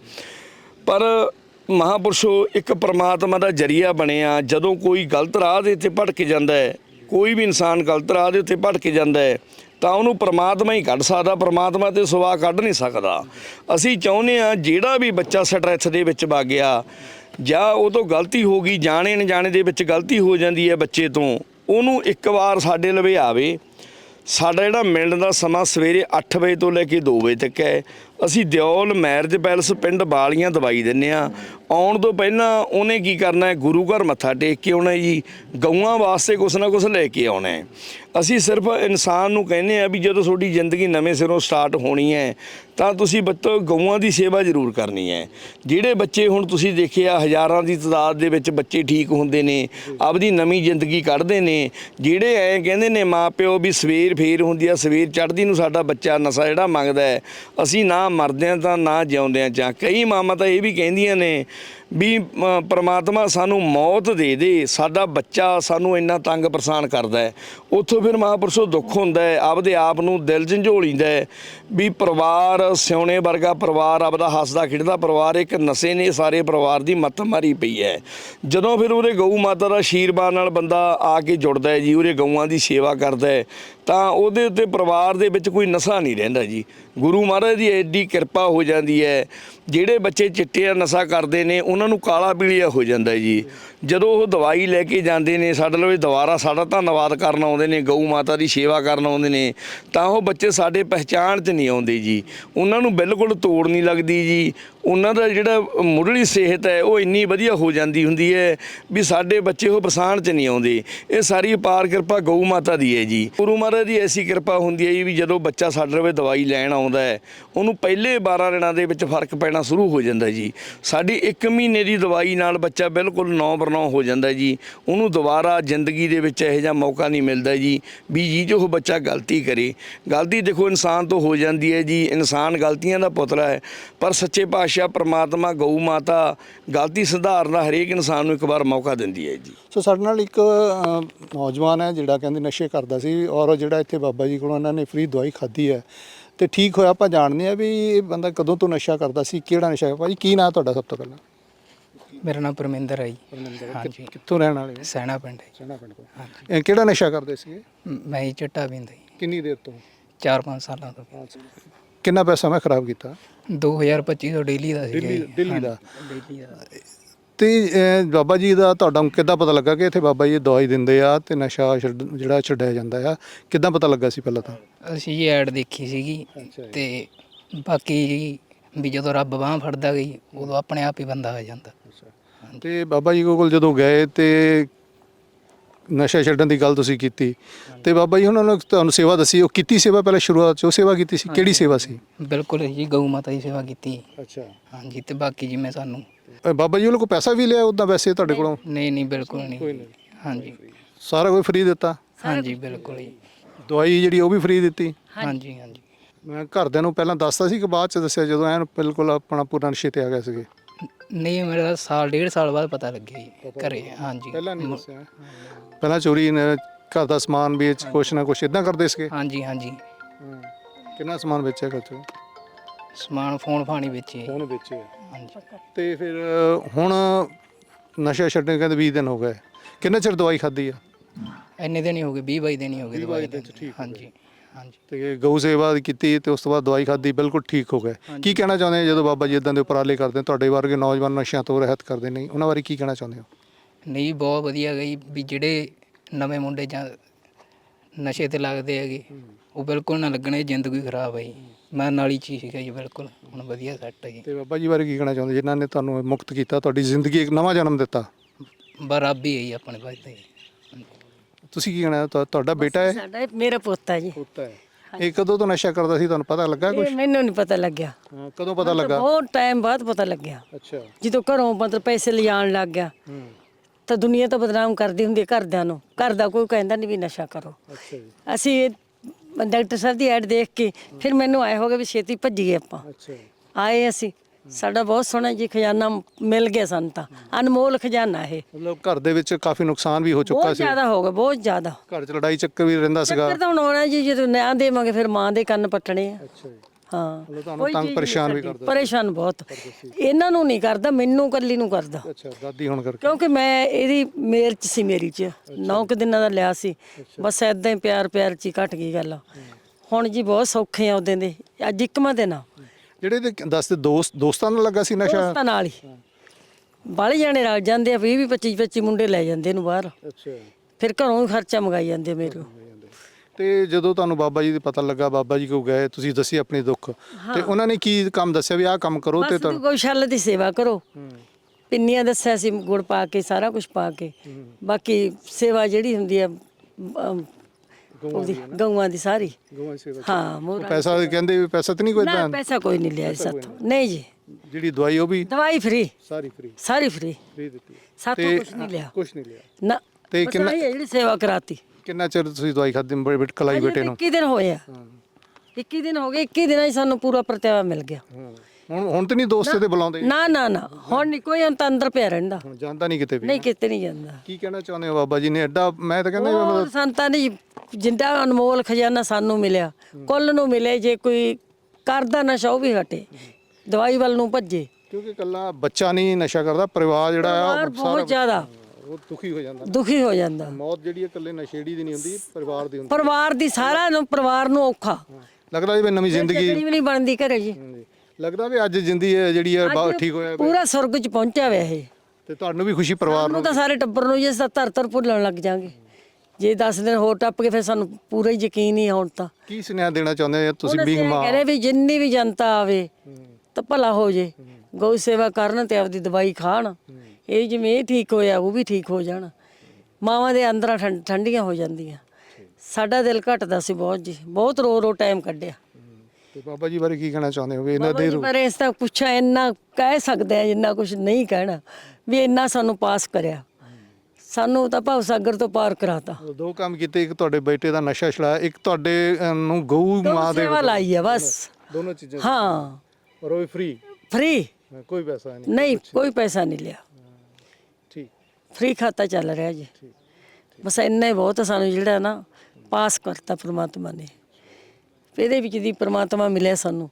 [SPEAKER 1] ਪਰ ਮਹਾਂਪੁਰਸ਼ੋ ਇੱਕ ਪ੍ਰਮਾਤਮਾ ਦਾ ਜਰੀਆ ਬਣਿਆ। ਜਦੋਂ ਕੋਈ ਗਲਤ ਰਾਹ ਦੇ ਉੱਤੇ ਭਟਕ ਜਾਂਦਾ ਹੈ, ਕੋਈ ਵੀ ਇਨਸਾਨ ਗਲਤ ਰਾਹ ਦੇ ਉੱਤੇ ਭਟਕ ਜਾਂਦਾ ਹੈ ਤਾਂ ਉਹਨੂੰ ਪ੍ਰਮਾਤਮਾ ਹੀ ਕੱਢ ਸਕਦਾ, ਪ੍ਰਮਾਤਮਾ ਤੇ ਸਿਵਾ ਕੱਢ ਨਹੀਂ ਸਕਦਾ। ਅਸੀਂ ਚਾਹੁੰਦੇ ਹਾਂ ਜਿਹੜਾ ਵੀ ਬੱਚਾ ਸਟਰੈਸ ਦੇ ਵਿੱਚ ਵਗ ਗਿਆ ਜਾਂ ਉਹ ਤੋਂ ਗਲਤੀ ਹੋ ਗਈ, ਜਾਣੇ ਅਣਜਾਣੇ ਦੇ ਵਿੱਚ ਗਲਤੀ ਹੋ ਜਾਂਦੀ ਹੈ ਬੱਚੇ ਤੋਂ, ਉਹਨੂੰ ਇੱਕ ਵਾਰ ਸਾਡੇ ਲਵੇ ਆਵੇ। ਸਾਡਾ ਜਿਹੜਾ ਮਿਲਣ ਦਾ ਸਮਾਂ ਸਵੇਰੇ 8 ਵਜੇ ਤੋਂ ਲੈ ਕੇ 2 ਵਜੇ ਤੱਕ ਹੈ। ਅਸੀਂ ਦਿਓਲ ਮੈਰਿਜ ਪੈਲਸ ਪਿੰਡ ਬਾਲੀਆਂ ਦਵਾਈ ਦਿੰਦੇ ਹਾਂ। ਆਉਣ ਤੋਂ ਪਹਿਲਾਂ ਉਹਨੇ ਕੀ ਕਰਨਾ ਹੈ, ਗੁਰੂ ਘਰ ਮੱਥਾ ਟੇਕ ਕੇ ਆਉਣਾ ਜੀ, ਗਊਆਂ ਵਾਸਤੇ ਕੁਛ ਨਾ ਕੁਛ ਲੈ ਕੇ ਆਉਣਾ ਹੈ। ਅਸੀਂ ਸਿਰਫ ਇਨਸਾਨ ਨੂੰ ਕਹਿੰਦੇ ਹਾਂ ਵੀ ਜਦੋਂ ਤੁਹਾਡੀ ਜ਼ਿੰਦਗੀ ਨਵੇਂ ਸਿਰੋਂ ਸਟਾਰਟ ਹੋਣੀ ਹੈ ਤਾਂ ਤੁਸੀਂ ਬੱਚੋ ਗਊਆਂ ਦੀ ਸੇਵਾ ਜ਼ਰੂਰ ਕਰਨੀ ਹੈ। ਜਿਹੜੇ ਬੱਚੇ ਹੁਣ ਤੁਸੀਂ ਦੇਖਿਆ ਹਜ਼ਾਰਾਂ ਦੀ ਤਾਦਾਦ ਦੇ ਵਿੱਚ ਬੱਚੇ ਠੀਕ ਹੁੰਦੇ ਨੇ, ਆਪਦੀ ਨਵੀਂ ਜ਼ਿੰਦਗੀ ਕੱਢਦੇ ਨੇ। ਜਿਹੜੇ ਐਂ ਕਹਿੰਦੇ ਨੇ ਮਾਂ ਪਿਓ ਵੀ ਸਵੇਰ ਫੇਰ ਹੁੰਦੀ ਆ, ਸਵੇਰ ਚੜ੍ਹਦੀ ਨੂੰ ਸਾਡਾ ਬੱਚਾ ਨਸ਼ਾ ਜਿਹੜਾ ਮੰਗਦਾ ਹੈ, ਅਸੀਂ ਨਾ ਮਰਦਿਆਂ ਤਾਂ ਨਾ ਜਿਉਂਦਿਆਂ ਜਾਂ। ਕਈ ਮਾਵਾਂ ਤਾਂ ਇਹ ਵੀ ਕਹਿੰਦੀਆਂ ਨੇ ਵੀ ਪ੍ਰਮਾਤਮਾ ਸਾਨੂੰ ਮੌਤ ਦੇ ਦੇ, ਸਾਡਾ ਬੱਚਾ ਸਾਨੂੰ ਇੰਨਾ ਤੰਗ ਪਰੇਸ਼ਾਨ ਕਰਦਾ ਹੈ। ਉੱਥੋਂ ਫਿਰ ਮਹਾਂਪੁਰਸ਼ੋ ਦੁੱਖ ਹੁੰਦਾ ਹੈ, ਆਪਦੇ ਆਪ ਨੂੰ ਦਿਲ ਝੰਜੋਲੀਂਦਾ ਹੈ ਵੀ ਪਰਿਵਾਰ ਸਿਉਣੇ ਵਰਗਾ ਪਰਿਵਾਰ, ਆਪਦਾ ਹੱਸਦਾ ਖੇਡਦਾ ਪਰਿਵਾਰ, ਇੱਕ ਨਸ਼ੇ ਨੇ ਸਾਰੇ ਪਰਿਵਾਰ ਦੀ ਮੱਤ ਮਾਰੀ ਪਈ ਹੈ। ਜਦੋਂ ਫਿਰ ਉਹਦੇ ਗਊ ਮਾਤਾ ਦਾ ਆਸ਼ੀਰਵਾਦ ਨਾਲ ਬੰਦਾ ਆ ਕੇ ਜੁੜਦਾ ਹੈ ਜੀ, ਉਹਦੇ ਗਊਆਂ ਦੀ ਸੇਵਾ ਕਰਦਾ ਹੈ, ਤਾਂ ਉਹਦੇ ਉੱਤੇ ਪਰਿਵਾਰ ਦੇ ਵਿੱਚ ਕੋਈ ਨਸ਼ਾ ਨਹੀਂ ਰਹਿੰਦਾ ਜੀ। ਗੁਰੂ ਮਹਾਰਾਜ ਦੀ ਐਡੀ ਕਿਰਪਾ ਹੋ ਜਾਂਦੀ ਹੈ। ਜਿਹੜੇ ਬੱਚੇ ਚਿੱਟੇ ਨਸ਼ਾ ਕਰਦੇ ਨੇ ਉਹਨਾਂ ਨੂੰ ਕਾਲਾ ਪੀਲੀਆ ਹੋ ਜਾਂਦਾ ਜੀ। ਜਦੋਂ ਉਹ ਦਵਾਈ ਲੈ ਕੇ ਜਾਂਦੇ ਨੇ ਸਾਡੇ ਲਈ ਦੁਬਾਰਾ ਸਾਡਾ ਧੰਨਵਾਦ ਕਰਨ ਆਉਂਦੇ ਨੇ, ਗਊ ਮਾਤਾ ਦੀ ਸੇਵਾ ਕਰਨ ਆਉਂਦੇ ਨੇ, ਤਾਂ ਉਹ ਬੱਚੇ ਸਾਡੇ ਪਹਿਚਾਣ 'ਚ ਨਹੀਂ ਆਉਂਦੇ ਜੀ। ਉਹਨਾਂ ਨੂੰ ਬਿਲਕੁਲ ਤੋੜ ਨਹੀਂ ਲੱਗਦੀ ਜੀ। ਉਹਨਾਂ ਦਾ ਜਿਹੜਾ ਮੁੱਢਲੀ ਸਿਹਤ ਹੈ ਉਹ ਇੰਨੀ ਵਧੀਆ ਹੋ ਜਾਂਦੀ ਹੁੰਦੀ ਹੈ ਵੀ ਸਾਡੇ ਬੱਚੇ ਉਹ ਪਛਾਣ 'ਚ ਨਹੀਂ ਆਉਂਦੇ। ਇਹ ਸਾਰੀ ਅਪਾਰ ਕਿਰਪਾ ਗਊ ਮਾਤਾ ਦੀ ਹੈ ਜੀ। ਗੁਰੂ ਮਹਾਰਾਜ ਦੀ ਐਸੀ ਕਿਰਪਾ ਹੁੰਦੀ ਹੈ ਜੀ ਵੀ ਜਦੋਂ ਬੱਚਾ ਸਾਡੇ ਲਵੇ ਦਵਾਈ ਲੈਣ ਆਉਂਦਾ ਹੈ ਉਹਨੂੰ ਪਹਿਲੇ 12 ਦਿਨਾਂ ਦੇ ਵਿੱਚ ਫਰਕ ਪੈਣਾ ਸ਼ੁਰੂ ਹੋ ਜਾਂਦਾ ਜੀ। ਸਾਡੀ 1 ਮਹੀਨੇ ਦੀ ਦਵਾਈ ਨਾਲ ਬੱਚਾ ਬਿਲਕੁਲ 9/9 ਹੋ ਜਾਂਦਾ ਜੀ। ਉਹਨੂੰ ਦੁਬਾਰਾ ਜ਼ਿੰਦਗੀ ਦੇ ਵਿੱਚ ਇਹੋ ਜਿਹਾ ਮੌਕਾ ਨਹੀਂ ਮਿਲਦਾ ਜੀ ਵੀ ਜੀ ਜੋ ਉਹ ਬੱਚਾ ਗਲਤੀ ਕਰੇ। ਗਲਤੀ ਦੇਖੋ ਇਨਸਾਨ ਤੋਂ ਹੋ ਜਾਂਦੀ ਹੈ ਜੀ, ਇਨਸਾਨ ਗਲਤੀਆਂ ਦਾ ਪੁਤਲਾ ਹੈ, ਪਰ ਸੱਚੇ ਪਾਤਸ਼ਾਹ ਪ੍ਰਮਾਤਮਾ ਗਊ ਮਾਤਾ ਗਲਤੀ ਸੁਧਾਰਨ ਦਾ ਹਰੇਕ ਇਨਸਾਨ ਨੂੰ ਇੱਕ ਵਾਰ ਮੌਕਾ ਦਿੰਦੀ ਹੈ ਜੀ।
[SPEAKER 2] ਸੋ ਸਾਡੇ ਨਾਲ ਇੱਕ ਨੌਜਵਾਨ ਹੈ ਜਿਹੜਾ ਕਹਿੰਦੇ ਨਸ਼ੇ ਕਰਦਾ ਸੀ, ਔਰ ਜਿਹੜਾ ਇੱਥੇ ਬਾਬਾ ਜੀ ਕੋਲੋਂ ਇਹਨਾਂ ਨੇ ਫ੍ਰੀ ਦਵਾਈ ਖਾਧੀ ਹੈ ਤੇ ਠੀਕ ਹੋਇਆ। ਆਪਾਂ ਜਾਣਦੇ ਹਾਂ ਵੀ ਇਹ ਬੰਦਾ ਕਦੋਂ ਤੋਂ ਨਸ਼ਾ ਕਰਦਾ ਸੀ, ਕਿਹੜਾ ਨਸ਼ਾ। ਭਾਜੀ ਕੀ ਨਾਂ ਤੁਹਾਡਾ ਸਭ ਤੋਂ ਪਹਿਲਾਂ?
[SPEAKER 3] ਮੇਰਾ ਨਾਮ ਪਰਮਿੰਦਰ ਹੈ ਜੀ। ਹਾਂਜੀ।
[SPEAKER 2] ਕਿੱਥੋਂ ਰਹਿਣ ਵਾਲੇ ਹੋ?
[SPEAKER 3] ਸੈਣਾ ਪਿੰਡ ਹੈ।
[SPEAKER 2] ਸੈਣਾ ਪਿੰਡ ਤੋਂ। ਇਹ ਕਿਹੜਾ ਨਸ਼ਾ ਕਰਦੇ ਸੀਗੇ?
[SPEAKER 3] ਮੈਂ ਹੀ ਚਿੱਟਾ ਪੀਂਦਾ ਜੀ।
[SPEAKER 2] ਕਿੰਨੀ ਦੇਰ ਤੋਂ?
[SPEAKER 3] 4-5 ਸਾਲਾਂ ਤੋਂ।
[SPEAKER 2] ਕਿੰਨਾ ਪੈਸਾ ਮੈਂ ਖਰਾਬ ਕੀਤਾ?
[SPEAKER 3] 2025 ਡੇਲੀ ਦਾ ਸੀ।
[SPEAKER 2] ਦਿੱਲੀ ਦਾ।
[SPEAKER 3] ਡੇਲੀ ਦਾ।
[SPEAKER 2] ਤੇ ਬਾਬਾ ਜੀ ਦਾ ਤੁਹਾਡਾ ਕਿੱਦਾਂ ਪਤਾ ਲੱਗਾ ਕਿ ਇੱਥੇ ਬਾਬਾ ਜੀ ਦਵਾਈ ਦਿੰਦੇ ਆ ਤੇ ਨਸ਼ਾ ਜਿਹੜਾ ਛੱਡਿਆ ਜਾਂਦਾ ਆ? ਕਿੱਦਾਂ ਪਤਾ ਲੱਗਾ ਸੀ ਪਹਿਲਾਂ ਤਾਂ?
[SPEAKER 3] ਅਸੀਂ ਜੀ ਐਡ ਦੇਖੀ ਸੀਗੀ ਤੇ ਬਾਕੀ ਜੀ ਵੀ ਜਦੋਂ ਰੱਬ ਬਾਂਹ ਫੜਦਾ ਗਈ ਉਦੋਂ ਆਪਣੇ ਆਪ ਹੀ ਬੰਦਾ ਆ ਜਾਂਦਾ।
[SPEAKER 2] ਤੇ ਬਾਬਾ ਜੀ ਕੋਲ ਜਦੋਂ ਗਏ ਤੇ ਨਸ਼ਾ ਛੱਡਣ ਦੀ ਗੱਲ ਤੁਸੀਂ ਕੀਤੀ ਤੇ ਬਾਬਾ ਜੀ ਉਹਨਾਂ ਨੇ ਤੁਹਾਨੂੰ ਸੇਵਾ ਦੱਸੀ, ਉਹ ਕੀਤੀ ਸੇਵਾ ਪਹਿਲਾਂ ਸ਼ੁਰੂਆਤ 'ਚ ਉਹ ਸੇਵਾ ਕੀਤੀ ਸੀ? ਕਿਹੜੀ ਸੇਵਾ ਸੀ?
[SPEAKER 3] ਬਿਲਕੁਲ ਜੀ, ਗਊ ਮਾਤਾ ਦੀ ਸੇਵਾ ਕੀਤੀ।
[SPEAKER 2] ਅੱਛਾ।
[SPEAKER 3] ਹਾਂਜੀ। ਤੇ ਬਾਕੀ ਜਿਵੇਂ ਸਾਨੂੰ
[SPEAKER 2] ਬਾਬਾ ਜੀ ਉਹਨਾਂ ਕੋਲ ਪੈਸਾ ਵੀ ਲਿਆ ਉੱਦਾਂ ਵੈਸੇ ਤੁਹਾਡੇ ਕੋਲੋਂ?
[SPEAKER 3] ਨਹੀਂ ਬਿਲਕੁਲ ਨਹੀਂ। ਹਾਂਜੀ।
[SPEAKER 2] ਸਾਰਾ ਕੁਝ ਫ੍ਰੀ ਦਿੱਤਾ?
[SPEAKER 3] ਹਾਂਜੀ ਬਿਲਕੁਲ ਜੀ।
[SPEAKER 2] ਦਵਾਈ ਜਿਹੜੀ ਉਹ ਵੀ ਫ੍ਰੀ ਦਿੱਤੀ?
[SPEAKER 3] ਹਾਂਜੀ।
[SPEAKER 2] ਮੈਂ ਘਰਦਿਆਂ ਨੂੰ ਪਹਿਲਾਂ ਦੱਸਦਾ ਸੀ ਕਿ ਬਾਅਦ 'ਚ ਦੱਸਿਆ ਜਦੋਂ ਐਨ ਬਿਲਕੁਲ ਆਪਣਾ ਪੂਰਾ ਨਸ਼ੇ ਤੇ ਆ ਗਿਆ ਸੀਗੇ?
[SPEAKER 3] ਨਹੀਂ, ਮੇਰਾ ਸਾਲ 1.5 ਸਾਲ ਬਾਅਦ ਪਤਾ ਲੱਗਿਆ ਜੀ ਘਰੇ। ਹਾਂਜੀ।
[SPEAKER 2] ਪਹਿਲਾਂ ਨਹੀਂ ਦੱਸਿਆ? ਪਹਿਲਾਂ ਚੋਰੀ ਘਰ ਦਾ ਸਮਾਨ ਵੇਚ ਕੁਛ ਨਾ ਕੁਛ ਇਦਾਂ ਕਰਦੇ ਸੀਗੇ?
[SPEAKER 3] ਹਾਂਜੀ।
[SPEAKER 2] ਕਿੰਨਾ ਸਮਾਨ ਵੇਚਿਆ ਘਰ 'ਚੋਂ?
[SPEAKER 3] ਸਮਾਨ ਫੋਨ ਫਾਣੀ ਵੇਚੇ।
[SPEAKER 2] ਫੋਨ ਵੇਚੇ।
[SPEAKER 3] ਹਾਂਜੀ।
[SPEAKER 2] ਤੇ ਫਿਰ ਹੁਣ ਨਸ਼ਾ ਛੱਡਣ ਕਹਿੰਦੇ 20 ਦਿਨ ਹੋ ਗਏ। ਕਿੰਨਾ ਚਿਰ ਦਵਾਈ ਖਾਧੀ ਆ?
[SPEAKER 3] ਇੰਨੇ ਦਿਨ ਹੀ ਹੋ ਗਏ, 20-22 ਦਿਨ ਹੀ ਹੋ ਗਏ
[SPEAKER 2] 20-22
[SPEAKER 3] ਦਵਾਈ
[SPEAKER 2] ਦਿਨ 'ਚ ਠੀਕ ਹੋ
[SPEAKER 3] ਹਾਂਜੀ।
[SPEAKER 2] ਤੇ ਗਊ ਸੇਵਾ ਕੀਤੀ ਤੇ ਉਸ ਤੋਂ ਬਾਅਦ ਦਵਾਈ ਖਾਧੀ, ਬਿਲਕੁਲ ਠੀਕ ਹੋ ਗਏ। ਕੀ ਕਹਿਣਾ ਚਾਹੁੰਦੇ ਆ ਜਦੋਂ ਬਾਬਾ ਜੀ ਇਦਾਂ ਦੇ ਉਪਰਾਲੇ ਕਰਦੇ, ਤੁਹਾਡੇ ਵਰਗੇ ਨੌਜਵਾਨ ਨਸ਼ਿਆਂ ਤੋਂ ਰਹਿਤ ਕਰਦੇ ਨਹੀਂ, ਉਹਨਾਂ ਬਾਰੇ ਕੀ ਕਹਿਣਾ ਚਾਹੁੰਦੇ ਹੋ?
[SPEAKER 3] ਨਹੀਂ, ਬਹੁਤ ਵਧੀਆ ਗਈ ਵੀ ਜਿਹੜੇ ਨਵੇਂ ਮੁੰਡੇ ਜਾਂ ਨਸ਼ੇ ਤੇ ਲੱਗਦੇ ਹੈਗੇ ਉਹ ਬਿਲਕੁਲ ਨਾ ਲੱਗਣੇ, ਜ਼ਿੰਦਗੀ ਖਰਾਬ ਹੈ ਜੀ। ਮੈਂ ਨਾਲ ਹੀ ਚੀਜ਼ ਸੀਗਾ ਜੀ, ਬਿਲਕੁਲ ਹੁਣ ਵਧੀਆ ਸੈੱਟ ਹੈ ਜੀ।
[SPEAKER 2] ਤੇ ਬਾਬਾ ਜੀ ਬਾਰੇ ਕੀ ਕਹਿਣਾ ਚਾਹੁੰਦੇ, ਜਿਨ੍ਹਾਂ ਨੇ ਤੁਹਾਨੂੰ ਮੁਕਤ ਕੀਤਾ, ਤੁਹਾਡੀ ਜ਼ਿੰਦਗੀ ਇੱਕ ਨਵਾਂ ਜਨਮ ਦਿੱਤਾ?
[SPEAKER 3] ਬਰਾਬਰ ਹੀ ਹੈ ਜੀ ਆਪਣੇ ਵਾਸਤੇ।
[SPEAKER 2] ਤੁਸੀਂ ਕੀ ਕਹਿਣਾ, ਤੁਹਾਡਾ ਬੇਟਾ ਹੈ?
[SPEAKER 4] ਸਾਡਾ ਇਹ ਮੇਰਾ ਪੋਤਾ ਜੀ।
[SPEAKER 2] ਪੁੱਤ ਹੈ। ਇਹ ਕਦੋਂ ਤੋਂ ਨਸ਼ਾ ਕਰਦਾ ਸੀ, ਤੁਹਾਨੂੰ ਪਤਾ ਲੱਗਾ ਕੁਝ?
[SPEAKER 4] ਇਹ ਮੈਨੂੰ ਨਹੀਂ ਪਤਾ ਲੱਗਿਆ,
[SPEAKER 2] ਕਦੋਂ ਪਤਾ ਲੱਗਾ?
[SPEAKER 4] ਬਹੁਤ ਟਾਈਮ ਬਾਅਦ ਪਤਾ ਲੱਗਿਆ।
[SPEAKER 2] ਅੱਛਾ।
[SPEAKER 4] ਜਦੋਂ ਘਰੋਂ ਮਤਲਬ ਪੈਸੇ ਲਿਜਾਣ ਲੱਗ ਗਿਆ ਤਾਂ ਦੁਨੀਆ ਤਾਂ ਬਦਨਾਮ ਕਰਦੀ ਹੁੰਦੀ ਹੈ ਘਰਦਿਆਂ ਨੂੰ। ਘਰ ਦਾ ਕੋਈ ਕਹਿੰਦਾ ਨਹੀਂ ਵੀ ਨਸ਼ਾ ਕਰੋ।
[SPEAKER 2] ਅੱਛਾ ਜੀ।
[SPEAKER 4] ਅਸੀਂ ਡਾਕਟਰ ਸਾਹਿਬ ਦੀ ਐਡ ਦੇਖ ਕੇ ਫਿਰ ਮੈਨੂੰ ਆਏ ਹੋ ਗਿਆ ਵੀ ਛੇਤੀ ਭੱਜੀਏ ਆਪਾਂ।
[SPEAKER 2] ਅੱਛਾ ਜੀ।
[SPEAKER 4] ਆਏ ਅਸੀਂ, ਸਾਡਾ ਬਹੁਤ ਸੋਹਣਾ ਜੀ ਖਜ਼ਾਨਾ ਮਿਲ ਗਿਆ ਸਾਨੂੰ ਤਾਂ, ਅਨਮੋਲ ਖਜ਼ਾਨਾ ਇਹ।
[SPEAKER 2] ਮਤਲਬ ਘਰ ਦੇ ਵਿੱਚ ਕਾਫੀ ਨੁਕਸਾਨ ਵੀ ਹੋ ਚੁੱਕਾ
[SPEAKER 4] ਬਹੁਤ
[SPEAKER 2] ਸੀ,
[SPEAKER 4] ਜ਼ਿਆਦਾ ਹੋ ਗਿਆ, ਬਹੁਤ ਜ਼ਿਆਦਾ।
[SPEAKER 2] ਘਰ 'ਚ ਲੜਾਈ ਚੱਕਰ ਵੀ ਰਹਿੰਦਾ ਸੀਗਾ।
[SPEAKER 4] ਚੱਕਰ ਤਾਂ ਹੁਣ ਆਉਣਾ ਜੀ, ਜਦੋਂ ਨਾ ਦੇਵਾਂਗੇ ਫਿਰ ਮਾਂ ਦੇ ਕੰਨ ਪੱਟਣੇ ਆ।
[SPEAKER 2] ਅੱਛਾ ਜੀ।
[SPEAKER 4] ਹਾਂ,
[SPEAKER 2] ਮਤਲਬ ਤੁਹਾਨੂੰ ਤੰਗ ਪਰੇਸ਼ਾਨ ਵੀ ਕਰਦਾ?
[SPEAKER 4] ਪਰੇਸ਼ਾਨ ਬਹੁਤ। ਇਹਨਾਂ ਨੂੰ ਨਹੀਂ ਕਰਦਾ, ਮੈਨੂੰ ਕੱਲੀ ਨੂੰ ਕਰਦਾ।
[SPEAKER 2] ਅੱਛਾ, ਦਾਦੀ ਹੁਣ ਕਰਕੇ?
[SPEAKER 4] ਕਿਉਂਕਿ ਮੈਂ ਇਹਦੀ ਮੇਲ ਚ ਸੀ, ਮੇਰੀ ਚ 9 ਦਿਨਾਂ ਦਾ ਲਿਆ ਸੀ, ਬਸ ਐਦਾਂ ਹੀ ਪਿਆਰ ਚ ਹੀ ਘਟ ਗਈ ਗੱਲ। ਹੁਣ ਜੀ ਬਹੁਤ ਸੌਖੇ ਆ ਉਹਦੇ ਦੇ, ਅੱਜ ਇੱਕਵਾਂ ਦਿਨ ਆ।
[SPEAKER 2] ਜਿਹੜੇ ਤੇ ਦੱਸਦੇ ਦੋਸਤਾਂ ਨਾਲ ਲੱਗਾ ਸੀ ਨਸ਼ਾ?
[SPEAKER 4] ਦੋਸਤਾਂ ਨਾਲ ਹੀ ਬਾਹਲੇ ਜਾਣੇ ਰਲ ਜਾਂਦੇ ਆ, 20 25 ਮੁੰਡੇ ਲੈ ਜਾਂਦੇ ਇਹਨੂੰ ਬਾਹਰ,
[SPEAKER 2] ਅੱਛਾ।
[SPEAKER 4] ਫਿਰ ਘਰੋਂ ਹੀ ਖਰਚਾ ਮੰਗਾਈ ਜਾਂਦੇ ਮੇਰੇ।
[SPEAKER 2] ਤੇ ਜਦੋਂ ਤੁਹਾਨੂੰ ਬਾਬਾ ਜੀ ਦੇ ਪਤਾ ਲੱਗਾ, ਬਾਬਾ ਜੀ ਕੋਲ ਗਏ, ਤੁਸੀਂ ਦੱਸੀ ਆਪਣੀ ਦੁੱਖ, ਤੇ ਉਹਨਾਂ ਨੇ ਕੀ ਕੰਮ ਦੱਸਿਆ ਵੀ ਆਹ ਕੰਮ ਕਰੋ ਤੇ
[SPEAKER 4] ਬਸ ਗਊਸ਼ਾਲਾ ਦੀ ਸੇਵਾ ਕਰੋ। ਪਿੰਨੀਆਂ ਦੱਸਿਆ ਸੀ, ਗੁੜ ਪਾ ਕੇ, ਸਾਰਾ ਕੁਝ ਪਾ ਕੇ। ਬਾਕੀ ਸੇਵਾ ਜਿਹੜੀ ਹੁੰਦੀ ਆ ਉਹਦੀ ਗਊਆਂ ਦੀ ਸਾਰੀ।
[SPEAKER 2] ਗਊਆਂ ਦੀ ਸੇਵਾ?
[SPEAKER 4] ਹਾਂ, ਮੋਹਰਾਂ।
[SPEAKER 2] ਪੈਸਾ ਕਹਿੰਦੇ ਵੀ ਪੈਸਾ ਤੇ ਨਹੀਂ ਕੋਈ?
[SPEAKER 4] ਨਾ, ਪੈਸਾ ਕੋਈ ਨਹੀਂ ਲਿਆ ਜੀ ਸਾਥੋਂ। ਨਹੀਂ ਜੀ,
[SPEAKER 2] ਜਿਹੜੀ ਦਵਾਈ ਉਹ ਵੀ
[SPEAKER 4] ਦਵਾਈ ਫ੍ਰੀ,
[SPEAKER 2] ਸਾਰੀ ਫ੍ਰੀ?
[SPEAKER 4] ਸਾਰੀ ਫ੍ਰੀ,
[SPEAKER 2] ਫ੍ਰੀ ਦਿੱਤੀ?
[SPEAKER 4] ਸਾਥੋਂ ਕੁਝ ਨਹੀਂ ਲਿਆ।
[SPEAKER 2] ਕੁਝ ਨਹੀਂ ਲਿਆ?
[SPEAKER 4] ਨਾ।
[SPEAKER 2] ਤੇ
[SPEAKER 4] ਕਿੰਨਾ ਜਿਹੜੀ ਸੇਵਾ ਕਰਾਤੀ।
[SPEAKER 2] ਕਿੰਨਾ ਚਿਰ ਤੁਸੀਂ ਦਵਾਈ ਖਾਦੀ ਕਲਾਈ ਬੇਟੇ ਨੂੰ?
[SPEAKER 4] 21 ਦਿਨ ਹੋਏ ਆ। 21 ਦਿਨ ਹੋ ਗਏ, 21 ਦਿਨਾਂ 'ਚ ਸਾਨੂੰ ਪੂਰਾ ਪ੍ਰਤਿਆਵਾ ਮਿਲ ਗਿਆ।
[SPEAKER 2] ਹੁਣ ਤੇ ਨਹੀਂ ਦੋਸਤ ਤੇ ਬੁਲਾਉਂਦੇ?
[SPEAKER 4] ਨਾ ਨਾ ਨਾ, ਹੁਣ ਨਹੀਂ ਕੋਈ, ਹੁਣ ਤਾਂ ਅੰਦਰ ਪਿਆ ਰਹਿੰਦਾ।
[SPEAKER 2] ਹੁਣ ਜਾਂਦਾ ਨਹੀਂ ਕਿਤੇ ਵੀ?
[SPEAKER 4] ਨਹੀਂ, ਕਿਤੇ ਨਹੀਂ ਜਾਂਦਾ।
[SPEAKER 2] ਕੀ ਕਹਿਣਾ ਚਾਹੁੰਦੇ ਹੋ ਬਾਬਾ ਜੀ ਨੇ ਐਡਾ, ਮੈਂ ਤਾਂ ਕਹਿੰਦਾ
[SPEAKER 4] ਉਹ ਸੰਤਾਂ ਨੇ ਜਿੰਦਾ ਅਨਮੋਲ ਖਜ਼ਾਨਾ ਸਾਨੂੰ ਮਿਲਿਆ, ਕੁੱਲ ਨੂੰ ਮਿਲੇ। ਜੇ ਕੋਈ ਕਰਦਾ ਨਸ਼ਾ ਉਹ ਵੀ ਹਟੇ, ਦਵਾਈ ਵੱਲ ਨੂੰ ਭੱਜੇ।
[SPEAKER 2] ਕਿਉਂਕਿ ਇਕੱਲਾ ਬੱਚਾ ਨਹੀਂ ਨਸ਼ਾ ਕਰਦਾ, ਪਰਿਵਾਰ ਜਿਹੜਾ ਆ
[SPEAKER 4] ਪਰਿਵਾਰ ਬਹੁਤ ਜ਼ਿਆਦਾ
[SPEAKER 2] ਉਹ ਦੁਖੀ ਹੋ ਜਾਂਦਾ।
[SPEAKER 4] ਦੁਖੀ ਹੋ ਜਾਂਦਾ।
[SPEAKER 2] ਮੌਤ ਜਿਹੜੀ ਇਕੱਲੇ ਨਸ਼ੇੜੀ ਦੀ ਨਹੀਂ ਹੁੰਦੀ, ਪਰਿਵਾਰ ਦੀ ਹੁੰਦੀ।
[SPEAKER 4] ਪਰਿਵਾਰ ਦੀ, ਸਾਰਾ ਨੂੰ ਪਰਿਵਾਰ ਨੂੰ ਔਖਾ
[SPEAKER 2] ਲੱਗਦਾ ਜਿਵੇਂ ਨਵੀਂ ਜ਼ਿੰਦਗੀ
[SPEAKER 4] ਵੀ ਨਹੀਂ ਬਣਦੀ ਘਰੇ ਜੀ।
[SPEAKER 2] ਲੱਗਦਾ ਵੀ ਅੱਜ ਜ਼ਿੰਦਗੀ ਜਿਹੜੀ ਆ ਠੀਕ ਹੋਇਆ,
[SPEAKER 4] ਪੂਰਾ ਸੁਰਗ 'ਚ ਪਹੁੰਚਿਆ ਹੋਇਆ ਇਹ।
[SPEAKER 2] ਤੇ ਤੁਹਾਨੂੰ ਵੀ ਖੁਸ਼ੀ ਪਰਿਵਾਰ ਨੂੰ?
[SPEAKER 4] ਸਾਨੂੰ ਤਾਂ ਸਾਰੇ ਟੱਬਰ ਨੂੰ, ਜੇ ਧਰ ਭੁੱਲਣ ਲੱਗ ਜਾਾਂਗੇ, ਜੇ 10 ਦਿਨ ਹੋਰ ਟੱਪ ਕੇ, ਫਿਰ ਸਾਨੂੰ ਪੂਰਾ ਹੀ ਯਕੀਨ ਹੀ ਹੁਣ ਤਾਂ।
[SPEAKER 2] ਕੀ ਸੁਨੇਹਾ ਦੇਣਾ ਚਾਹੁੰਦੇ ਆ ਤੁਸੀਂ ਵੀ ਮਾਂ?
[SPEAKER 4] ਕਹਿੰਦੇ ਵੀ ਜਿੰਨੀ ਵੀ ਜਨਤਾ ਆਵੇ ਤਾਂ ਭਲਾ ਹੋ ਜੇ, ਗਊ ਸੇਵਾ ਕਰਨ ਤੇ ਆਪਦੀ ਦਵਾਈ ਖਾਣ। ਇਹ ਜਿਵੇਂ ਇਹ ਠੀਕ ਹੋਇਆ, ਉਹ ਵੀ ਠੀਕ ਹੋ ਜਾਣ। ਮਾਵਾਂ ਦੇ ਅੰਦਰਾਂ ਠੰਡੀਆਂ ਹੋ ਜਾਂਦੀਆਂ। ਸਾਡਾ ਦਿਲ ਘਟਦਾ ਸੀ ਬਹੁਤ ਜੀ, ਬਹੁਤ ਰੋ ਟਾਈਮ ਕੱਢਿਆ।
[SPEAKER 2] ਤੇ ਬਾਬਾ ਜੀ ਬਾਰੇ ਕੀ ਕਹਿਣਾ ਚਾਹੁੰਦੇ ਹੋ? ਇਹਨਾਂ ਦੇ
[SPEAKER 4] ਪਰ ਇਸ ਤਾਂ ਪੁੱਛਿਆ, ਇੰਨਾ ਕਹਿ ਸਕਦੇ ਆ ਜਿੰਨਾ ਕੁਝ ਨਹੀਂ ਕਹਿਣਾ, ਵੀ ਇੰਨਾ ਸਾਨੂੰ ਪਾਸ ਕਰਿਆ, ਸਾਨੂੰ ਤਾਂ ਭਵ ਸਾਗਰ ਤੋਂ ਪਾਰ ਕਰਾਤਾ।
[SPEAKER 2] ਦੋ ਕੰਮ ਕੀਤੇ, ਇੱਕ ਤੁਹਾਡੇ ਬੇਟੇ ਦਾ ਨਸ਼ਾ ਛੁਡਾਇਆ, ਇੱਕ ਤੁਹਾਡੇ ਨੂੰ ਗਊ ਮਾਂ ਦੇ
[SPEAKER 4] ਸੇਵਾ ਲਾਈ ਆ ਬਸ।
[SPEAKER 2] ਦੋਨੋਂ ਚੀਜ਼ਾਂ?
[SPEAKER 4] ਹਾਂ,
[SPEAKER 2] ਔਰ ਉਹ ਵੀ ਫ੍ਰੀ?
[SPEAKER 4] ਫ੍ਰੀ,
[SPEAKER 2] ਕੋਈ ਪੈਸਾ ਨਹੀਂ?
[SPEAKER 4] ਨਹੀਂ, ਕੋਈ ਪੈਸਾ ਨਹੀਂ ਲਿਆ,
[SPEAKER 2] ਠੀਕ,
[SPEAKER 4] ਫ੍ਰੀ ਖਾਤਾ ਚੱਲ ਰਿਹਾ ਜੀ। ਬਸ ਇੰਨਾ ਹੀ ਬਹੁਤ ਸਾਨੂੰ ਜਿਹੜਾ ਨਾ ਪਾਸ ਕਰਤਾ ਪ੍ਰਮਾਤਮਾ ਨੇ। ਇਹਦੇ ਵਿੱਚ ਦੀ ਪ੍ਰਮਾਤਮਾ ਮਿਲਿਆ ਸਾਨੂੰ।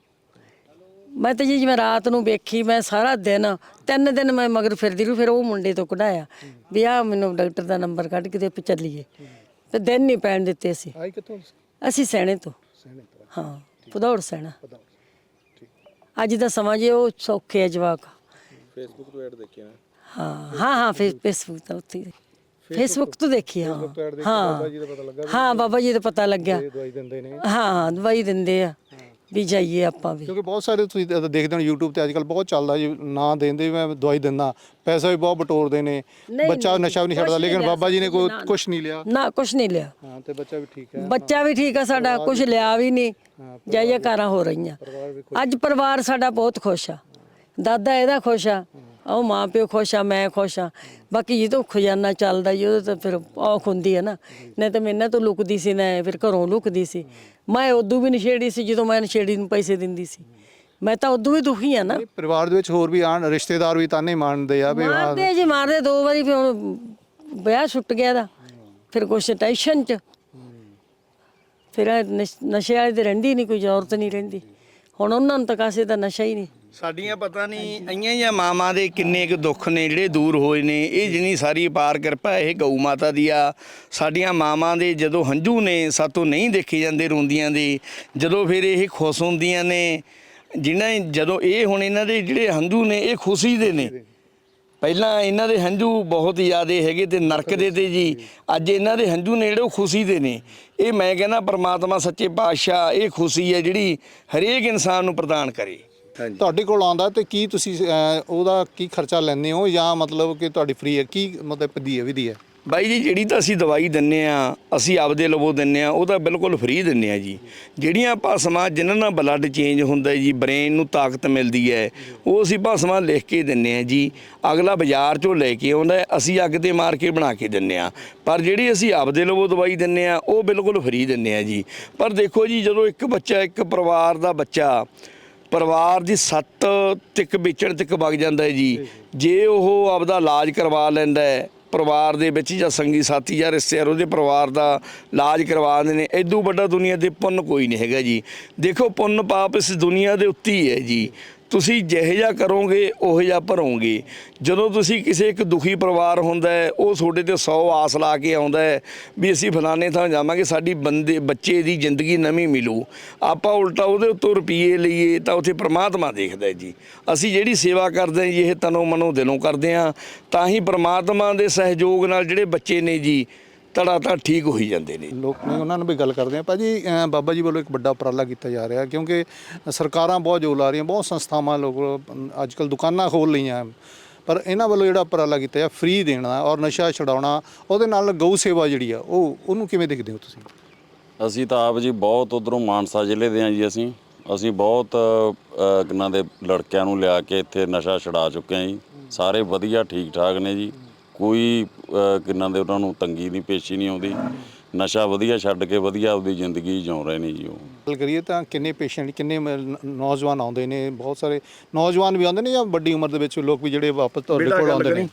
[SPEAKER 4] ਮੈਂ ਤਾਂ ਜੀ ਜਿਵੇਂ ਰਾਤ ਨੂੰ ਵੇਖੀ, ਮੈਂ ਸਾਰਾ ਦਿਨ 3 ਦਿਨ ਮੈਂ ਮਗਰ ਫਿਰਦੀ ਰਹੀ। ਫਿਰ ਉਹ ਮੁੰਡੇ ਤੋਂ ਕਢਾਇਆ ਵੀ ਆ ਮੈਨੂੰ ਡਾਕਟਰ ਦਾ ਨੰਬਰ ਕੱਢ ਕੇ ਤੇ ਚੱਲੀਏ, ਤੇ ਦਿਨ ਨਹੀਂ ਪੈਣ ਦਿੱਤੇ ਅਸੀਂ।
[SPEAKER 2] ਆਈ ਕਿੱਥੋਂ?
[SPEAKER 4] ਅਸੀਂ ਸੈਣੇ ਤੋਂ।
[SPEAKER 2] ਸੈਣੇ ਤੋਂ?
[SPEAKER 4] ਹਾਂ, ਭਦੌੜ ਸੈਣਾ।
[SPEAKER 2] ਠੀਕ।
[SPEAKER 4] ਅੱਜ ਦਾ ਸਮਾਂ ਜੇ ਉਹ ਸੌਖੇ ਆ ਜਵਾਕ।
[SPEAKER 2] ਫੇਸਬੁੱਕ ਤੋਂ ਐਡ ਦੇਖਿਆ?
[SPEAKER 4] ਹਾਂ, ਫੇਸਬੁੱਕ ਤੋਂ, ਉੱਥੇ ਫੇਸਬੁੱਕ ਤੋਂ ਦੇਖੀ। ਹਾਂ
[SPEAKER 2] ਬਾਬਾ ਜੀ ਦਾ ਪਤਾ ਲੱਗਾ?
[SPEAKER 4] ਹਾਂ, ਬਾਬਾ ਜੀ ਦਾ ਪਤਾ ਲੱਗਿਆ।
[SPEAKER 2] ਦਵਾਈ ਦਿੰਦੇ ਨੇ?
[SPEAKER 4] ਹਾਂ, ਦਵਾਈ ਦਿੰਦੇ ਆ ਵੀ ਜਾਈਏ ਆਪਾਂ ਵੀ।
[SPEAKER 2] ਕਿਉਂਕਿ ਬਹੁਤ ਸਾਰੇ ਤੁਸੀਂ ਦੇਖਦੇ ਹੋ YouTube ਤੇ ਅੱਜ ਕੱਲ੍ਹ ਬਹੁਤ ਚੱਲਦਾ ਜੀ, ਨਾ ਦਿੰਦੇ ਮੈਂ ਦਵਾਈ ਦਿੰਦਾ, ਪੈਸਾ ਵੀ ਬਹੁਤ ਬਟੋਰਦੇ ਨੇ, ਬੱਚਾ ਨਸ਼ਾ ਵੀ ਨਹੀਂ ਛੱਡਦਾ, ਲੇਕਿਨ ਬਾਬਾ ਜੀ ਨੇ ਕੋਈ ਕੁਛ ਨਹੀਂ ਲਿਆ?
[SPEAKER 4] ਨਾ, ਕੁਛ ਨਹੀਂ ਲਿਆ।
[SPEAKER 2] ਹਾਂ, ਤੇ ਬੱਚਾ ਵੀ ਠੀਕ ਹੈ?
[SPEAKER 4] ਬੱਚਾ ਵੀ ਠੀਕ ਆ ਸਾਡਾ, ਕੁਛ ਲਿਆ ਵੀ ਨਹੀਂ। ਜਾਈਏ ਕਾਰਾਂ ਹੋ ਰਹੀਆਂ। ਅੱਜ ਪਰਿਵਾਰ ਸਾਡਾ ਬਹੁਤ ਖੁਸ਼ ਆ, ਦਾਦਾ ਇਹਦਾ ਖੁਸ਼ ਆ, ਉਹ ਮਾਂ ਪਿਓ ਖੁਸ਼ ਆ, ਮੈਂ ਖੁਸ਼ ਆ। ਬਾਕੀ ਜਦੋਂ ਖਜ਼ਾਨਾ ਚੱਲਦਾ ਜੀ, ਉਹਦੇ ਤਾਂ ਫਿਰ ਔਖ ਹੁੰਦੀ ਹੈ ਨਾ। ਨਹੀਂ ਤਾਂ ਮੈਂ ਇਹਨਾਂ ਤੋਂ ਲੁਕਦੀ ਸੀ, ਨਾ ਫਿਰ ਘਰੋਂ ਲੁਕਦੀ ਸੀ। ਮੈਂ ਉਦੋਂ ਵੀ ਨਸ਼ੇੜੀ ਸੀ, ਜਦੋਂ ਮੈਂ ਨਸ਼ੇੜੀ ਨੂੰ ਪੈਸੇ ਦਿੰਦੀ ਸੀ। ਮੈਂ ਤਾਂ ਉਦੋਂ ਵੀ ਦੁਖੀ ਆ ਨਾ।
[SPEAKER 2] ਪਰਿਵਾਰ ਦੇ ਵਿੱਚ ਹੋਰ ਵੀ ਆਣ ਰਿਸ਼ਤੇਦਾਰ ਵੀ ਤਾਨੇ ਮਾਰਦੇ ਆ ਵੀ?
[SPEAKER 4] ਮਾਰਦੇ ਜੀ, ਮਾਰਦੇ 2 ਵਾਰੀ। ਫਿਰ ਹੁਣ ਵਿਆਹ ਛੁੱਟ ਗਿਆ ਦਾ, ਫਿਰ ਕੁਛ ਟੈਨਸ਼ਨ 'ਚ ਫਿਰ ਨਸ਼ੇ ਵਾਲੇ ਦੇ ਰਹਿੰਦੀ ਨਹੀਂ, ਕੋਈ ਜ਼ਰੂਰਤ ਨਹੀਂ ਰਹਿੰਦੀ। ਹੁਣ ਉਹਨਾਂ ਨੂੰ ਤਾਂ ਕਾਸੇ ਦਾ ਨਸ਼ਾ ਹੀ ਨਹੀਂ।
[SPEAKER 1] ਸਾਡੀਆਂ ਪਤਾ ਨਹੀਂ ਆਈਆਂ ਜਾਂ ਮਾਵਾਂ ਦੇ ਕਿੰਨੇ ਕੁ ਦੁੱਖ ਨੇ ਜਿਹੜੇ ਦੂਰ ਹੋਏ ਨੇ। ਇਹ ਜਿੰਨੀ ਸਾਰੀ ਅਪਾਰ ਕਿਰਪਾ ਇਹ ਗਊ ਮਾਤਾ ਦੀ ਆ। ਸਾਡੀਆਂ ਮਾਵਾਂ ਦੇ ਜਦੋਂ ਹੰਝੂ ਨੇ ਸਾਤੋਂ ਨਹੀਂ ਦੇਖੇ ਜਾਂਦੇ ਰੋਂਦੀਆਂ ਦੇ, ਜਦੋਂ ਫਿਰ ਇਹ ਖੁਸ਼ ਹੁੰਦੀਆਂ ਨੇ, ਜਿਹਨਾਂ ਜਦੋਂ ਇਹ ਹੁਣ ਇਹਨਾਂ ਦੇ ਜਿਹੜੇ ਹੰਝੂ ਨੇ ਇਹ ਖੁਸ਼ੀ ਦੇ ਨੇ, ਪਹਿਲਾਂ ਇਹਨਾਂ ਦੇ ਹੰਝੂ ਬਹੁਤ ਜ਼ਿਆਦਾ ਹੈਗੇ ਤੇ ਨਰਕ ਦੇ ਤੇ ਜੀ, ਅੱਜ ਇਹਨਾਂ ਦੇ ਹੰਝੂ ਨੇ ਜਿਹੜੇ ਉਹ ਖੁਸ਼ੀ ਦੇ ਨੇ। ਇਹ ਮੈਂ ਕਹਿੰਦਾ ਪ੍ਰਮਾਤਮਾ ਸੱਚੇ ਪਾਤਸ਼ਾਹ ਇਹ ਖੁਸ਼ੀ ਹੈ ਜਿਹੜੀ ਹਰੇਕ ਇਨਸਾਨ ਨੂੰ ਪ੍ਰਦਾਨ ਕਰੇ।
[SPEAKER 2] ਤੁਹਾਡੇ ਕੋਲ ਆਉਂਦਾ ਤੇ ਕੀ ਤੁਸੀਂ ਉਹਦਾ ਕੀ ਖਰਚਾ ਲੈਂਦੇ ਹੋ ਜਾਂ ਮਤਲਬ ਕਿ ਤੁਹਾਡੀ ਫ੍ਰੀ ਹੈ, ਕੀ ਮਤਲਬ ਵਿਧੀ ਹੈ?
[SPEAKER 1] ਬਾਈ ਜੀ ਜਿਹੜੀ ਤਾਂ ਅਸੀਂ ਦਵਾਈ ਦਿੰਨੇ ਆ ਅਸੀਂ ਆਪਦੇ ਲਵੋ ਦਿੰਨੇ ਆ, ਉਹ ਤਾਂ ਬਿਲਕੁਲ ਫ੍ਰੀ ਦਿੰਨੇ ਆ ਜੀ। ਜਿਹੜੀਆਂ ਭਸਮਾਂ ਜਿਨ੍ਹਾਂ ਨਾਲ ਬਲੱਡ ਚੇਂਜ ਹੁੰਦਾ ਜੀ, ਬ੍ਰੇਨ ਨੂੰ ਤਾਕਤ ਮਿਲਦੀ ਹੈ, ਉਹ ਅਸੀਂ ਭਸਮਾਂ ਲਿਖ ਕੇ ਦਿੰਨੇ ਆ ਜੀ। ਅਗਲਾ ਬਾਜ਼ਾਰ 'ਚੋਂ ਲੈ ਕੇ ਆਉਂਦਾ, ਅਸੀਂ ਅੱਗ 'ਤੇ ਮਾਰ ਕੇ ਬਣਾ ਕੇ ਦਿੰਨੇ ਆ। ਪਰ ਜਿਹੜੀ ਅਸੀਂ ਆਪਦੇ ਲਵੋ ਦਵਾਈ ਦਿੰਨੇ ਆ ਉਹ ਬਿਲਕੁਲ ਫ੍ਰੀ ਦਿੰਨੇ ਆ ਜੀ। ਪਰ ਦੇਖੋ ਜੀ, ਜਦੋਂ ਇੱਕ ਬੱਚਾ, ਇੱਕ ਪਰਿਵਾਰ ਦਾ ਬੱਚਾ ਪਰਿਵਾਰ ਦੀ ਸੱਤ ਤਿੱਕ ਵੇਚਣ ਤੱਕ ਵਗ ਜਾਂਦਾ ਹੈ ਜੀ, ਜੇ ਉਹ ਆਪਦਾ ਇਲਾਜ ਕਰਵਾ ਲੈਂਦਾ ਹੈ ਪਰਿਵਾਰ ਦੇ ਵਿੱਚ ਜਾਂ ਸੰਗੀ ਸਾਥੀ ਜਾਂ ਰਿਸ਼ਤੇਦਾਰ ਉਹਦੇ ਪਰਿਵਾਰ ਦਾ ਇਲਾਜ ਕਰਵਾਉਂਦੇ ਨੇ, ਇਦੋਂ ਵੱਡਾ ਦੁਨੀਆ ਦੇ ਪੁੰਨ ਕੋਈ ਨਹੀਂ ਹੈਗਾ ਜੀ। ਦੇਖੋ ਪੁੰਨ ਪਾਪ ਇਸ ਦੁਨੀਆ ਦੇ ਉੱਤੇ ਹੀ ਹੈ ਜੀ। ਤੁਸੀਂ ਜਿਹੋ ਜਿਹਾ ਕਰੋਗੇ ਉਹੋ ਜਿਹਾ ਭਰੋਗੇ। ਜਦੋਂ ਤੁਸੀਂ ਕਿਸੇ ਇੱਕ ਦੁਖੀ ਪਰਿਵਾਰ ਹੁੰਦਾ ਹੈ, ਉਹ ਤੁਹਾਡੇ ਤੇ 100 ਆਸ ਲਾ ਕੇ ਆਉਂਦਾ ਹੈ ਵੀ ਅਸੀਂ ਫਲਾਣੇ ਥਾਂ ਜਾਵਾਂਗੇ, ਸਾਡੀ ਬੱਚੇ ਦੀ ਜ਼ਿੰਦਗੀ ਨਵੀਂ ਮਿਲੂ, ਆਪਾਂ ਉਲਟਾ ਉਹਦੇ ਉੱਤੋਂ ਰੁਪਈਏ ਲਈਏ ਤਾਂ ਉੱਥੇ ਪ੍ਰਮਾਤਮਾ ਦੇਖਦਾ ਜੀ। ਅਸੀਂ ਜਿਹੜੀ ਸੇਵਾ ਕਰਦੇ ਹਾਂ ਜੀ, ਇਹ ਤਨੋਂ ਮਨੋਂ ਦਿਲੋਂ ਕਰਦੇ ਹਾਂ, ਤਾਂ ਹੀ ਪ੍ਰਮਾਤਮਾ ਦੇ ਸਹਿਯੋਗ ਨਾਲ ਜਿਹੜੇ ਬੱਚੇ ਨੇ ਜੀ ਧੜਾ ਠੀਕ ਹੋਈ ਜਾਂਦੇ ਨੇ।
[SPEAKER 2] ਲੋਕ ਨੇ ਉਹਨਾਂ ਨੂੰ ਵੀ ਗੱਲ ਕਰਦੇ ਆ। ਭਾਜੀ ਬਾਬਾ ਜੀ ਵੱਲੋਂ ਇੱਕ ਵੱਡਾ ਉਪਰਾਲਾ ਕੀਤਾ ਜਾ ਰਿਹਾ, ਕਿਉਂਕਿ ਸਰਕਾਰਾਂ ਬਹੁਤ ਜ਼ੋਰ ਲਾ ਰਹੀਆਂ, ਬਹੁਤ ਸੰਸਥਾਵਾਂ ਲੋਕ ਅੱਜ ਕੱਲ੍ਹ ਦੁਕਾਨਾਂ ਖੋਲ੍ਹ ਲਈਆਂ, ਪਰ ਇਹਨਾਂ ਵੱਲੋਂ ਜਿਹੜਾ ਉਪਰਾਲਾ ਕੀਤਾ ਫ੍ਰੀ ਦੇਣਾ ਔਰ ਨਸ਼ਾ ਛਡਾਉਣਾ, ਉਹਦੇ ਨਾਲ ਗਊ ਸੇਵਾ ਜਿਹੜੀ ਆ ਉਹਨੂੰ ਕਿਵੇਂ ਦੇਖਦੇ ਹੋ ਤੁਸੀਂ?
[SPEAKER 5] ਅਸੀਂ ਤਾਂ ਆਪ ਜੀ ਬਹੁਤ ਉੱਧਰੋਂ ਮਾਨਸਾ ਜ਼ਿਲ੍ਹੇ ਦੇ ਹਾਂ ਜੀ। ਅਸੀਂ ਬਹੁਤ ਇਹਨਾਂ ਦੇ ਲੜਕਿਆਂ ਨੂੰ ਲਿਆ ਕੇ ਇੱਥੇ ਨਸ਼ਾ ਛਡਾ ਚੁੱਕੇ ਹਾਂ ਜੀ। ਸਾਰੇ ਵਧੀਆ ਠੀਕ ਠਾਕ ਨੇ ਜੀ, ਕੋਈ ਕਿੰਨਾਂ ਦੇ ਉਹਨਾਂ ਨੂੰ ਤੰਗੀ ਨਹੀਂ ਪੇਸ਼ੀ ਨਹੀਂ ਆਉਂਦੀ। ਨਸ਼ਾ ਵਧੀਆ ਛੱਡ ਕੇ ਵਧੀਆ ਆਪਦੀ ਜ਼ਿੰਦਗੀ ਜਿਉ ਰਹੇ ਨੇ ਜੀ। ਉਹ
[SPEAKER 2] ਗੱਲ ਕਰੀਏ ਤਾਂ ਕਿੰਨੇ ਪੇਸ਼ੈਂਟ, ਕਿੰਨੇ ਨੌਜਵਾਨ ਆਉਂਦੇ ਨੇ? ਬਹੁਤ ਸਾਰੇ ਨੌਜਵਾਨ ਵੀ ਆਉਂਦੇ ਨੇ ਜਾਂ ਵੱਡੀ ਉਮਰ ਦੇ ਵਿੱਚ ਲੋਕ ਵੀ ਜਿਹੜੇ ਵਾਪਸ ਤੁਹਾਡੇ ਕੋਲ ਆਉਂਦੇ ਨੇ?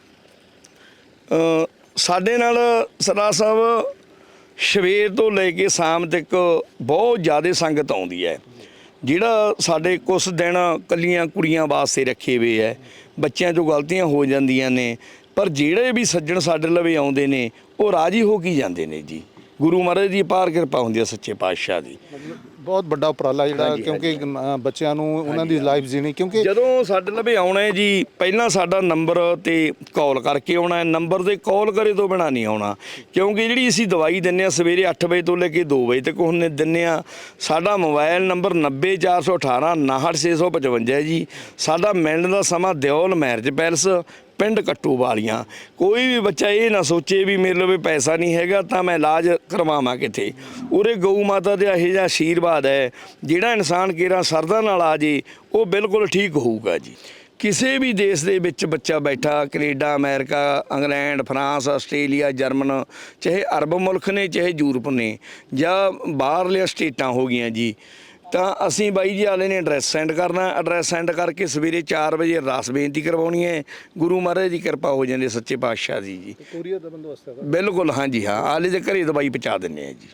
[SPEAKER 1] ਸਾਡੇ ਨਾਲ ਸਰਦਾਰ ਸਾਹਿਬ ਸਵੇਰ ਤੋਂ ਲੈ ਕੇ ਸ਼ਾਮ ਤੱਕ ਬਹੁਤ ਜ਼ਿਆਦਾ ਸੰਗਤ ਆਉਂਦੀ ਹੈ। ਜਿਹੜਾ ਸਾਡੇ ਕੁਛ ਦਿਨ ਕੱਲੀਆਂ ਕੁੜੀਆਂ ਵਾਸਤੇ ਰੱਖੇ ਹੋਏ ਹੈ, ਬੱਚਿਆਂ 'ਚੋਂ ਗਲਤੀਆਂ ਹੋ ਜਾਂਦੀਆਂ ਨੇ, ਪਰ ਜਿਹੜੇ ਵੀ ਸੱਜਣ ਸਾਡੇ ਲਵੇ ਆਉਂਦੇ ਨੇ ਉਹ ਰਾਜੀ ਹੋ ਕੇ ਜਾਂਦੇ ਨੇ ਜੀ। ਗੁਰੂ ਮਹਾਰਾਜ ਦੀ ਅਪਾਰ ਕਿਰਪਾ ਹੁੰਦੀ ਹੈ ਸੱਚੇ ਪਾਤਸ਼ਾਹ ਦੀ।
[SPEAKER 2] ਬਹੁਤ ਵੱਡਾ ਉਪਰਾਲਾ ਜਿਹੜਾ, ਕਿਉਂਕਿ ਬੱਚਿਆਂ ਨੂੰ ਉਹਨਾਂ ਦੀ ਲਾਈਫ ਜੀਣੀ, ਕਿਉਂਕਿ
[SPEAKER 1] ਜਦੋਂ ਸਾਡੇ ਲਵੇ ਆਉਣਾ ਹੈ ਜੀ, ਪਹਿਲਾਂ ਸਾਡਾ ਨੰਬਰ 'ਤੇ ਕਾਲ ਕਰਕੇ ਆਉਣਾ ਹੈ। ਨੰਬਰ 'ਤੇ ਕਾਲ ਕਰੇ ਤੋਂ ਬਿਨਾਂ ਨਹੀਂ ਆਉਣਾ, ਕਿਉਂਕਿ ਜਿਹੜੀ ਅਸੀਂ ਦਵਾਈ ਦਿੰਦੇ ਹਾਂ ਸਵੇਰੇ 8 ਵਜੇ ਤੋਂ ਲੈ ਕੇ 2 ਵਜੇ ਤੱਕ ਉਹਨੇ ਦਿੰਦੇ ਹਾਂ। ਸਾਡਾ ਮੋਬਾਈਲ ਨੰਬਰ 90418 69655 ਹੈ ਜੀ। ਸਾਡਾ ਮਿਲਣ ਦਾ ਸਮਾਂ ਦਿਓਲ ਮੈਰਿਜ ਪੈਲਸ, ਪਿੰਡ ਕੱਟੂ ਵਾਲੀਆਂ। ਕੋਈ ਵੀ ਬੱਚਾ ਇਹ ਨਾ ਸੋਚੇ ਵੀ ਮੇਰੇ ਲਵੇ ਪੈਸਾ ਨਹੀਂ ਹੈਗਾ ਤਾਂ ਮੈਂ ਇਲਾਜ ਕਰਵਾਵਾਂ ਕਿੱਥੇ। ਉਰੇ ਗਊ ਮਾਤਾ ਦਾ ਇਹੋ ਜਿਹਾ ਆਸ਼ੀਰਵਾਦ ਹੈ, ਜਿਹੜਾ ਇਨਸਾਨ ਕੇਰਾ ਸਰਦਾ ਨਾਲ ਆ ਜੇ ਉਹ ਬਿਲਕੁਲ ਠੀਕ ਹੋਊਗਾ ਜੀ। ਕਿਸੇ ਵੀ ਦੇਸ਼ ਦੇ ਵਿੱਚ ਬੱਚਾ ਬੈਠਾ, Canada, America, England, France, Australia, German, ਚਾਹੇ ਅਰਬ ਮੁਲਕ ਨੇ ਚਾਹੇ ਯੂਰਪ ਨੇ ਜਾਂ ਬਾਹਰਲੀਆਂ ਸਟੇਟਾਂ ਹੋ ਗਈਆਂ ਜੀ, ਤਾਂ ਅਸੀਂ ਬਾਈ ਜੀ ਵਾਲੇ ਨੇ ਐਡਰੈਸ ਸੈਂਡ ਕਰਨਾ। ਐਡਰੈਸ ਸੈਂਡ ਕਰਕੇ ਸਵੇਰੇ 4 ਵਜੇ ਅਰਦਾਸ ਬੇਨਤੀ ਕਰਵਾਉਣੀ ਹੈ। ਗੁਰੂ ਮਹਾਰਾਜ ਦੀ ਕਿਰਪਾ ਹੋ ਜਾਂਦੀ ਸੱਚੇ ਪਾਤਸ਼ਾਹ ਦੀ ਜੀ।
[SPEAKER 2] ਕੋਰੀਅਰ ਦਾ ਬੰਦੋਬਸਤ ਹੈ?
[SPEAKER 1] ਬਿਲਕੁਲ ਹਾਂਜੀ ਹਾਂ, ਆਲੇ ਦੇ ਘਰੇ ਦਵਾਈ ਪਹੁੰਚਾ ਦਿੰਦੇ ਆ ਜੀ।